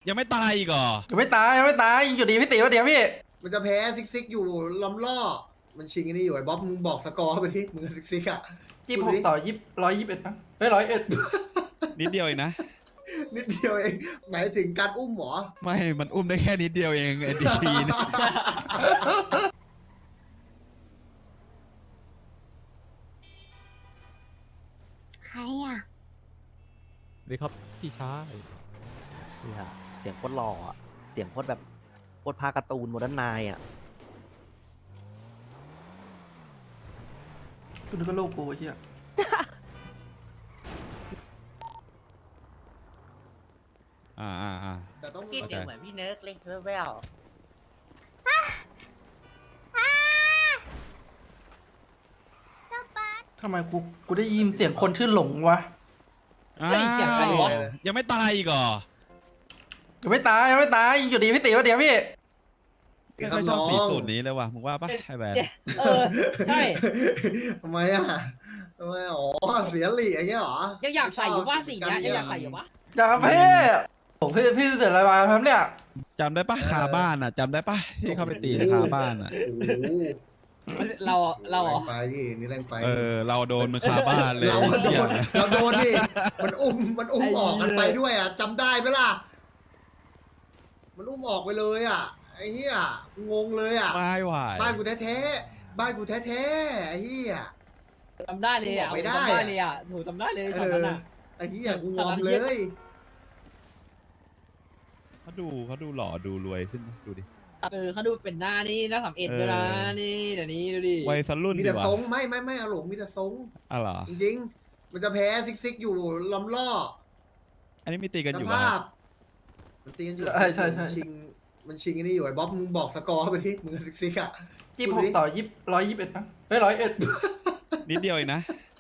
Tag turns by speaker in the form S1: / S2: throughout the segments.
S1: ยังไม่ตายอีกเหรอ
S2: ยังไม่ตายอยู่ดีพี่ติ๋วเดี๋ยวพี่
S3: มันจะแพ้ซิกอยู่ล้อมล่อมันชิงอันนี้อยู่ไอ้บ๊อบมึงบอกสกอร์ไปที่มึงซิกอ่ะ
S2: 26ต่อ121มั้งเฮ้ย101
S1: นิดเดียวเองนะ
S3: นิดเดียวเองหมายถึงการอุ้มหรอ
S1: ไม่มันอุ้มได้แค่นิดเดียวเองไอ้ดีทีนะ
S4: ใครอ่ะ
S5: ดีครับพี่ชายนี่ฮะเสียงโคตรหล่ออะเสียงโคตรแบบโคตรพาการ์ตูนโมเดิร์นไนน์อ่ะ
S2: กูนึกว่าลูกกูไอ้เหี้ย
S3: แต่ต้อง
S6: กินเดี๋ยวเหมือนพี่เนิร์กเลยแว่ว
S2: ทำไมกูได้ยินเสียงคนชื่อหลงวะ
S1: ยังไม่ตายอีกเหรอ
S2: ยังไม่ตายอยู่ดีพี่ติ๋วเดี๋ยวพี่
S1: ไม่ค่อยชอบสีสูตรนี้เลยว่ะมึงว่าปะไอ้แบน
S6: ใช่
S3: ทำไมอ๋อเสียหลีอย่างเงี้ยหรอ
S6: ยังอยากใส่อยู่ว่าสีเนี้ยยังอยากใส่อยู่วะ
S2: อยากพี่ผมพี่เสร็จอะไรมาครับเนี่ย
S1: จำได้ปะคาบ้านอ่ะจำได้ปะที่เข้าไปตีในคาบ้านอ่ะ
S3: โอ้โห
S6: เราเหรอ
S3: แรงไปดินี่แรงไป
S1: เราโดนมันคาบ้านเลย
S3: เราโดนดิมันอุ้มออกกันไปด้วยอ่ะจำได้ไหมล่ะมันอุ้มออกไปเลยอ่ะไอ้เหี้ยงงเลยอ่ะ
S1: ไม่ไหว
S3: บ้านกูแท้ๆบ้านกูแท้ๆไอ้เหี้ย
S6: จำได้เลยอ่ะ
S3: ไม่ได้
S6: จำได้เลยอ่ะถูกจำได้เลยช็อตนั้นอ่ะ
S3: ไอ้เหี้ยกูงอมเลย
S1: เขาดูหล่อดูรวยขึ้นนะดูดิ
S6: เขาดูเป็นหน้านี่หน้า31ด้วยนะนี่เดี๋ยวนี้ดูดิ
S1: วัยรุ่น
S3: มี
S1: ดี
S3: แต่
S1: ว่ะ
S3: ทรงไม่เอาหลงมีแต่ทรง
S1: อ๋อเหรอ
S3: จริงๆมันจะแพ้ซิกอยู่ล้อมล่อ
S1: อันนี้มีตีกัน
S3: ส
S1: อยู่
S3: ภา
S1: วะ
S3: พมันตีกันอยู่
S2: ใช่
S3: มันชิงอันนี้อยู่ไอ้บ๊อบมึงบอกสกอร์ไปที่มึงซิกอ่ะ
S2: 26ต่อ121มั้งเฮ้ย101
S1: นิดเดียวเองนะ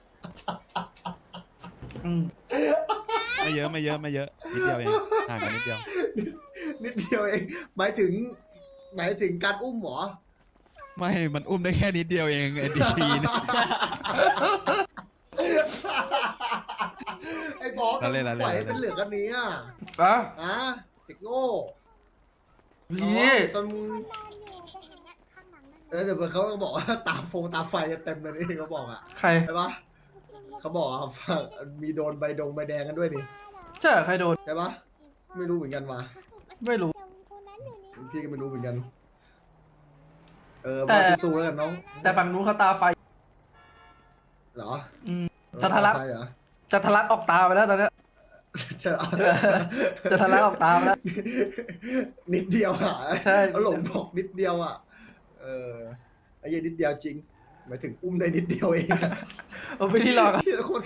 S1: ไม่เยอะนิดเดียวเองห่างกันนิดเดียว
S3: นิดเดียวเองหมายถึงการอุ้มหรอ
S1: ไม่มันอุ้มได้แค่นิดเดียวเองไอ้ดีทีนะ
S3: ไอ้บ๊อบ
S1: เราเล่น
S3: ปล่อยให้เป็นเหลือกันนี้อ่ะ
S2: อ่ะ
S3: เด็กโง่
S2: พี่
S3: ตอนมึงเดี๋ยวเขาก็บอกว่าตาไฟเต็มเลยนี่เขาบอกอ่ะ
S2: ใคร
S3: ใช่ปะเขาบอกอะมีโดนใบแดงกันด้วยนี่
S2: ใช่ใครโดน
S3: ใช่ปะไม่รู้เหมือนกันว่ะ
S2: ไม่รู้
S3: พี่ก็ไม่รู้เหมือนกัน
S2: แต่
S3: มาสู้แล้วกันน้อง
S2: แต่ฝั่งนู้นเขาตาไฟ
S3: เหรอ
S2: จะทะลัก
S3: ใช่เหรอ
S2: จะทะลักออกตาไปแล้วตอนเนี้ย
S3: ใช่เหรอ
S2: จะทะลักออกตาไปแล้ว
S3: นิดเดียวอ่ะ
S2: ใช่
S3: เขาหลงบอกนิดเดียวอ่ะไอ้เหี้ยันนิดเดียวจริงหมายถึงอุ้มได้นิดเดียวเองอะ
S2: โอ้ไปที่รอกัน
S3: ที่คน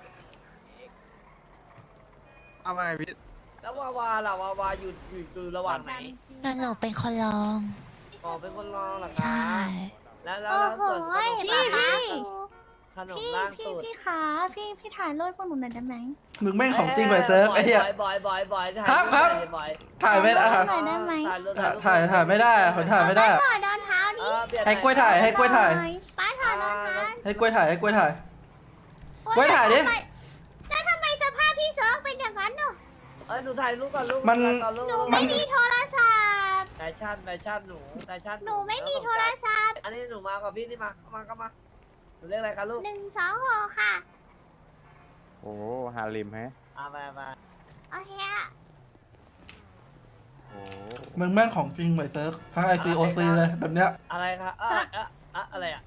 S5: เอาไงพี่
S6: แล้ววาอยู่ระหว่างไหน
S4: หนูเป็นคนลอง
S6: อ๋อเป็นคนรองเหรอค
S4: ใช่
S6: รับแล้ว
S7: โอ้โห
S6: ส่วนขนม
S7: พี่
S6: ล่างสุด
S7: พี่ขาพี่ถ่ายรูปพวกหนูหน่อยได้ไหม
S2: มึงแม่งของจริงไปเซิร์ฟไอ้เหี้ย
S6: บอย
S2: ครับ ถ่ายไม่ได้
S7: หน่อยได้ไหม
S2: ถ่ายไม่ได้คนถ่ายไม่ได้
S7: ถ่ายเดินเท้าดิ
S2: ให้กล้วยถ่ายให้กล้วยถ่าย
S7: ป้าถ่ายเดินเท้า
S2: ให้กล้วยถ่ายให้กล้วยถ่าย
S7: โอ๊
S2: กล้วยถ่ายดิ
S7: แล้วทำไมสภาพพี่เซิร์ฟเป็นอย่างนั้นเนาะ
S6: หนูถ่ายรูปก่อนลูก
S2: มัน
S7: หนูไม่มีโทรศัพท์
S6: แฟชั่นหนูแฟชั่น
S7: หนูไม่มีโทรศัพท์
S6: อันนี้หนูมากับพี่ที่มาหนูเรียกอะไรคะลูก
S7: 126ค่ะ
S5: โอ้ฮาริมฮะ
S6: มา
S7: โอเคอะ
S5: โอ้
S2: มึงแม่งของจริงไปเซิร์ฟทั้ง ICOC เลยแบบเนี้ย
S6: อะไรคะอะไรอ่ะ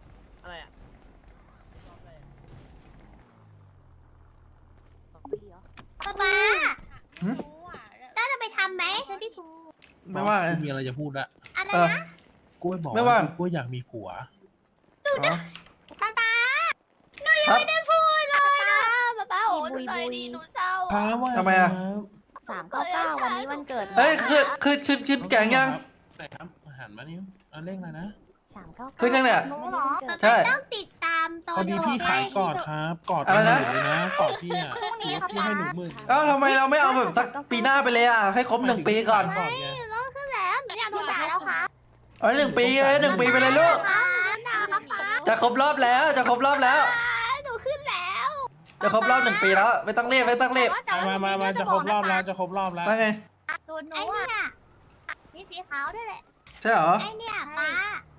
S7: ป๊าป๊าต้าจะไปทำไหมฉันพี่ทู
S2: ไม่ว่าไง
S8: มีอะไรจะพูดละ
S7: อะไร
S2: เออ
S7: นะ
S8: กล้วยบอก
S2: ไม่ว่า
S8: กล้วยอยากมีผัว
S2: อ๋อ
S7: ป๊าป๊าหนูยัง
S2: ครับ
S7: ไม่ได้พูดเลยนะป๊าป๊าโอ้ยใจดีหนูเศร้า
S8: พาว่า
S2: ทำไมอะ
S7: 399วันนี้วันเกิด
S2: เฮ้ยขึ้นแกงยัง
S8: ไหนครับหันมานิ้วเอาเลขอะไรนะ
S2: ขึ้นยังเนี่ย
S7: หนูเหรอ
S2: ใช่
S7: ต้องติดตามตอ
S8: พอน ดีพี่ขายกอดครับกอด
S2: อะไรนะ
S8: หมื่เลยนะกอดพี่อ่ะพี่ให้หนูหมื่น
S2: เอ้าทำไมเราไม่เอาแบบสักปีหน้าไปเลยอ่ะให้ครบ1 ปีก่อน
S8: กอดไง
S7: ต้องขึ้นแล้วหนูอยากโดนด่าแล้วค่ะ
S2: เอา1 ปีเลย1 ปีไปเลยลูก
S7: ด่าครับป๊า
S2: จะครบรอบแล้วจะครบรอบแล้ว
S7: หนูขึ้นแล้ว
S2: จะครบรอบ1 ปีแล้วไม่ต้องรีบ
S8: มาจะครบรอบแล้วจะครบรอบแล้ว
S2: ว่าไง
S7: สูตรหนูอ่ะมีสีขาวด้วยแหละ
S2: ใช่เหรอ
S7: ไอเนี่ยป้า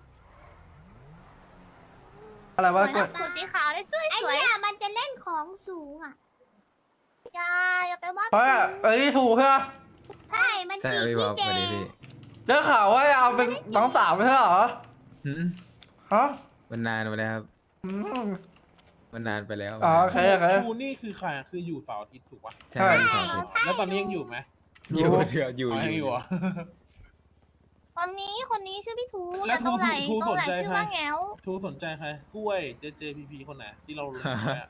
S2: อะไรวะกล้วย
S7: สูตรสีขาวได้สวยไอเนี่ยมันจะเล่นของสูงอ่ะอย่าไปว่า
S2: เพราะไอ้นี่ถูกใช่ไหม
S7: ใช่มันจีบพี่เจ
S2: ได้ข่าวว่าเอาเป็นน้องสาวไม่ใช่เหรอฮะ
S9: มันนานไปแล้วครับ
S2: อืม
S9: มันนานไปแล้ว
S2: อ๋อโอเคโอเค
S8: ทูนี่คือใครอะคืออยู่เสาร์อาทิตย์ถูกปะ
S9: ใช่
S2: ใช่
S9: สองคน
S8: แล้วตอนนี้ยังอยู่ไหม
S9: อยู่เถื่ออยู่
S8: อ๋อยังอยู่เหรอ
S7: คนนี้ชื่อพี่ทู
S8: แล้
S7: แต่
S8: ว
S7: ตรงไหน
S8: ทู
S7: ตรงไหน
S8: สนใจ
S7: ชื่อ
S8: ใคร
S7: ว่าแงว
S8: ทูสนใจใครกล้วยเจเจพีพีคนไหนที่เรารู้จักอะ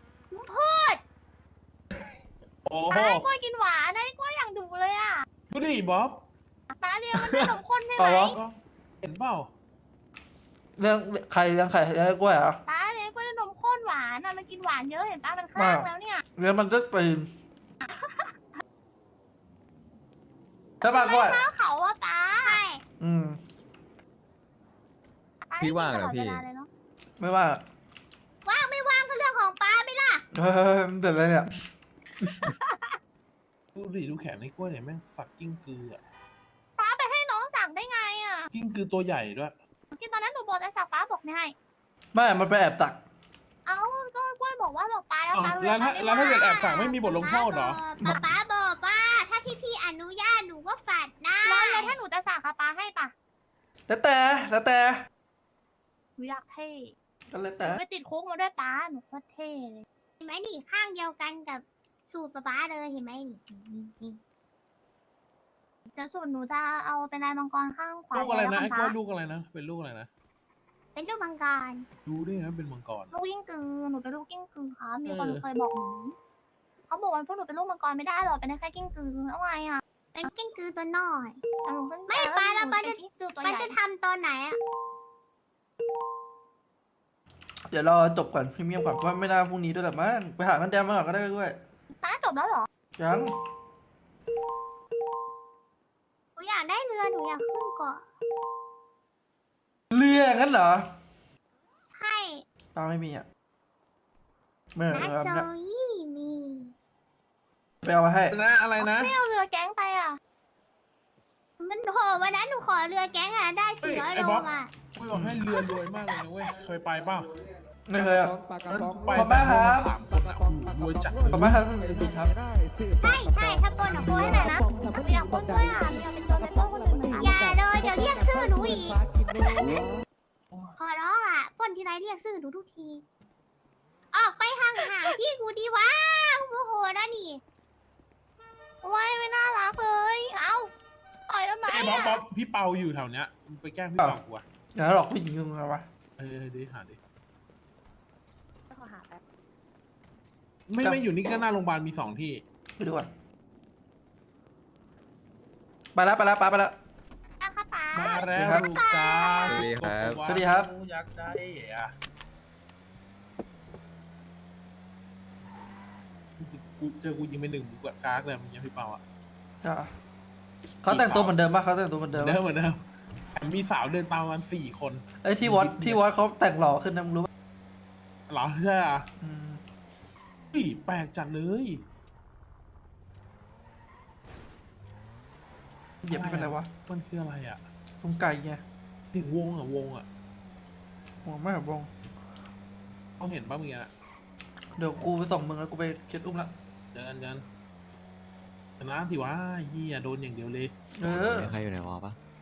S8: โอ้โห
S7: ไอ้กล้วยกินหวานไอ้กล้วยอย่างดุเลยอ่ะ
S8: ดูดิบ๊อบ
S7: ป้าเรียกมันขนมข้นใช่ไห
S2: เอา
S7: ม
S2: วะ
S8: เห็นเปล่า
S2: เรื่องใครเรื่องใครเรื่องกล้วยเหรอ
S7: ป้าเรียกกล้วยขนมข้นหวานอ่ะมันกินหวานเยอะเห็นป้ามันคลั่งแล้วเนี่ย
S2: เรื่องมันจะปีนใช่ป่ะกล้วย
S7: ข้าวเขาอ่ะป้าใช่
S2: อืม
S9: พี่ว่างเหรอพี่
S2: ไม่ว่า
S7: ว่างไม่ว่างก็เรื่องของป้าไม่ล่ะ
S2: เฮ้ยมันเป็นอะไรเนี่ย
S8: ดูดิดูแขนในกล้วยเนี่ยแม่งฝักกิ้งกืออะ
S7: ป้าไปให้น้องสั่งได้ไงอ่ะ
S8: กิ้งกือตัวใหญ่ด้วย
S7: ที่ตอนนั้นหนูบอกแต่สั่งป้าบอกไม่ให้
S2: ไม่มันไปแอบตัก
S7: เอ้าก็กล้วยบอกว่าบอกป้าแล้ว
S8: อ้าว
S7: ป้า
S8: แล้วถ้าเกิดแอบสั่งไม่มีบทลงโทษเหรอ
S7: ป้าบอกว่าถ้าพี่อนุญาตหนูก็ฝัดได้แล้วถ้าหนูจะสั่งค่ะป้าให้ปะ
S2: แล้วแต่
S7: หนูอยากเท่
S2: ก็แล้วแต่
S7: ไปติดคุกมาด้วยป้าหนูโคตรเท่เลยเห็นไหมนี่ข้างเดียวกันกับสูตรป้าเลยเห็นไหมนี่แต่สูตรหนูจะเอาเป็นลายมังกรข้างขวา
S8: ลูกอะไรนะไอ้กล้วย
S7: ป้า
S8: ลูกอะไรนะเป็นลูกอะไรนะ
S7: เป็นลูกมังกร
S8: ดูได้ไงเป็นมังกร
S7: ลูกกิ้งกือหนูเป็นลูกกิ้งกือค่ะมีคนเคยบอกหนูเขาบอกว่าพวกหนูเป็นลูกมังกรไม่ได้หรอกเป็นได้แค่กิ้งกือแล้วไงอ่ะเป็นกิ้งกือตัวน้อยไม่ป้าแล้วป้าจะทำตอนไหนอ่ะ
S2: เดี๋ยวรอจบก่อนพรีเมียมก่อนเพราะไม่น่าพรุ่งนี้ด้วยแหละมั้งไปหากันแดมมาก่อนก็ได้กล้วย
S7: ป้าจบแล้วเหรอ
S2: ยัง
S7: หนูอยากได้เรือหนูอยากขึ้นเกาะ
S2: เรืองั้นเหรอ
S7: ใช่
S2: ตาไม่มีอ่ะไม่
S7: นั
S2: เอา
S7: โซ
S2: ไม่เอา
S7: ยี่มี
S2: ไปเอามาให้
S8: นะอะไรนะ
S7: ไม่เอาเรือแก๊งไปอ่ะมันโหวันนั้นหนูขอเรือแก๊งอ่ะได้400 โลอ่ะ
S8: กล้วยบอกให้เรือรวยมากเลยนะเว้ยเคยไปเปล่า
S2: ไม่เคยอ่ะ
S8: ไป
S2: ขอบคุณครับ
S8: สามคนอะโอ้โหรวยจัดเลย
S2: ขอบคุณครับจริงๆครับ
S7: ใช่ถ้าปนอ่ะปนให้หน่อยนะหนูอยากปนด้วยอ่ะหนูอยากเป็นตัวเป็นตัวคนอื่นเหมือนกันอย่าเลยเดี๋ยวเรียกชื่อหนูอีกขอร้องอ่ะปนทีไรเรียกชื่อหนูทุกที ออกไปห่างๆพี่กูดีวะโอ้โหนะนี่โอ้ยไม่น่ารักเลยเอ้าต่อยทำไม
S8: ไอ้บ๊อบ
S7: อ่ะ
S8: บ๊อบพี่เปาอยู่แถวเนี้ยมึงไปแกล้งพี่เปากูอะ
S2: อย่าหลอกผู้หญิงมึงเอาวะ
S8: ดิหาดิไม่อยู่นี่ก็หน้าโรงพยาบาลมี2 ที่
S2: ไปดูก่อนไปแล้วป้าไปแล้ว
S7: อ่ะค่ะป๋า
S8: มาแล้ว
S2: ครับ
S8: ลูกจ้า
S9: สวัสดีครับ
S2: สวัสดีครับ
S8: อยากได้อะกูเจอกูยิงไป1 บุกกากเลยมึงยังพี่เปาอะ
S2: อ่ะเขาแต่งตัวเหมือนเดิมป่ะเขาแต่งตัวเหมือนเดิม
S8: เดิ
S2: ปะ
S8: มเหมือนเดิมมีสาวเดินตามมัน4 คน
S2: ไอ้ยที่วัดเขาแต่งหล่อขึ้นนะมึงรู้ปะ
S8: เหรอใช่อะ
S2: อืม
S8: เฮ้ยแปลกจัดเลย
S2: เหยียบไม่เป็นไรวะ
S8: มันคืออะไรอะ
S2: ตรงไก่ไง
S8: ถึงวงอะ
S2: หัวไม่แบบวง
S8: เขาเห็นป่ะมึงอะ
S2: เดี๋ยวกูไปส่งมึงแล้วกูไปเก็ตอุ้มละ
S8: เดินชนะสิวะเฮียโดนอย่างเดียวเลย
S2: เออ
S9: มีใครอยู่ในวอลปะ